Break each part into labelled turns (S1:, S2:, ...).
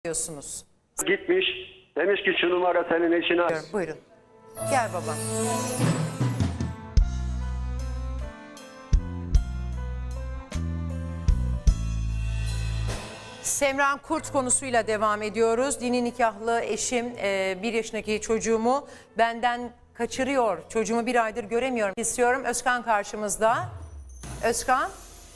S1: diyorsunuz.
S2: Gitmiş, demiş ki şu numara senin eşine.
S1: Buyurun. Gel baba. Semran Kurt konusuyla devam ediyoruz. Dini nikahlı eşim 1 yaşındaki çocuğumu benden kaçırıyor. Çocuğumu 1 aydır göremiyorum. İstiyorum. Özkan karşımızda. Özkan.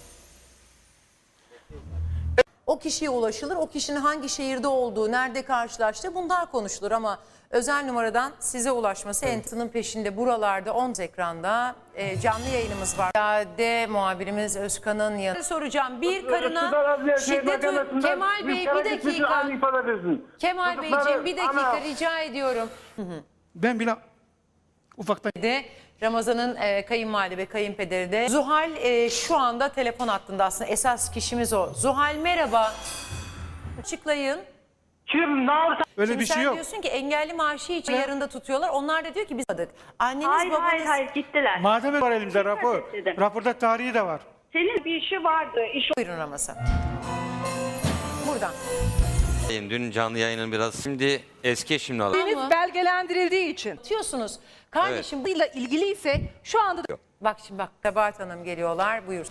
S1: O kişiye ulaşılır. O kişinin hangi şehirde olduğu, nerede karşılaştığı bunlar konuşulur ama özel numaradan size ulaşması Entı'nın peşinde buralarda 10 ekranda canlı yayınımız var. Yade muhabirimiz Özkan'ın yanına soracağım. Bir karına şiddet Kemal Bey bir dakika. Kemal Beyciğim bir dakika rica ediyorum.
S3: Ben bile ufaktan...
S1: De Ramazan'ın kayınvalide ve kayınpederi de. Zuhal şu anda telefon hattında aslında esas kişimiz o. Zuhal merhaba. Açıklayın.
S4: Kim ne yaptı?
S3: Öyle
S1: Şimdi
S3: bir şey
S1: sen
S3: yok.
S1: diyorsun ki engelli maaşı için yarında tutuyorlar. Onlar da diyor ki biz aldık. Anneniz
S4: Hayır
S1: babanız...
S4: hayır gittiler.
S3: Madem var elimizde rapor.
S4: dedim.
S3: Raporda tarihi de var.
S4: Senin bir işi vardı.
S1: Buyurun Ramazan. Buradan.
S5: Dün canlı yayının biraz şimdi eski eşimle alakalı.
S6: Deniz belgelendirildiği için.
S1: Diyorsunuz. Kardeşim
S6: Bununla ilgili ise şu anda da
S1: bak şimdi bak Sabahat Hanım geliyorlar. Buyur.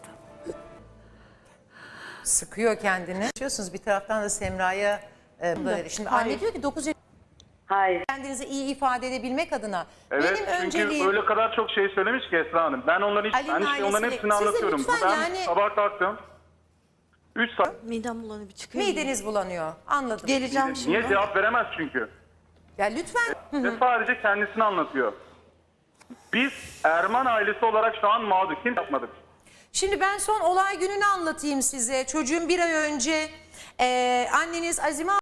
S1: Sıkıyor kendini. Diyorsunuz bir taraftan da Semra'ya şimdi anne diyor ki 9 yaşında
S4: Hayır.
S1: kendinizi iyi ifade edebilmek adına
S7: Evet,
S1: benim
S7: çünkü
S1: önceliğim
S7: öyle kadar çok şey söylemiş ki Esra Hanım. Ben onların,
S1: Ali'nin
S7: onların
S1: ailesiyle-
S7: hepsini
S1: Siz de
S7: anlatıyorum.
S1: lütfen
S7: Ben
S1: yani-
S7: sabah kalktım. 3 saat.
S8: Midem bulanıyor bir çıkıyor.
S1: mideniz bulanıyor. Anladım.
S8: Geleceğim şimdi.
S7: Niye cevap veremez çünkü?
S1: Ya lütfen.
S7: Ve sadece kendisini anlatıyor. Biz Erman ailesi olarak şu an mağdur. Kim yapmadık?
S1: Şimdi ben son olay gününü anlatayım size. Çocuğum 1 ay önce anneniz Azime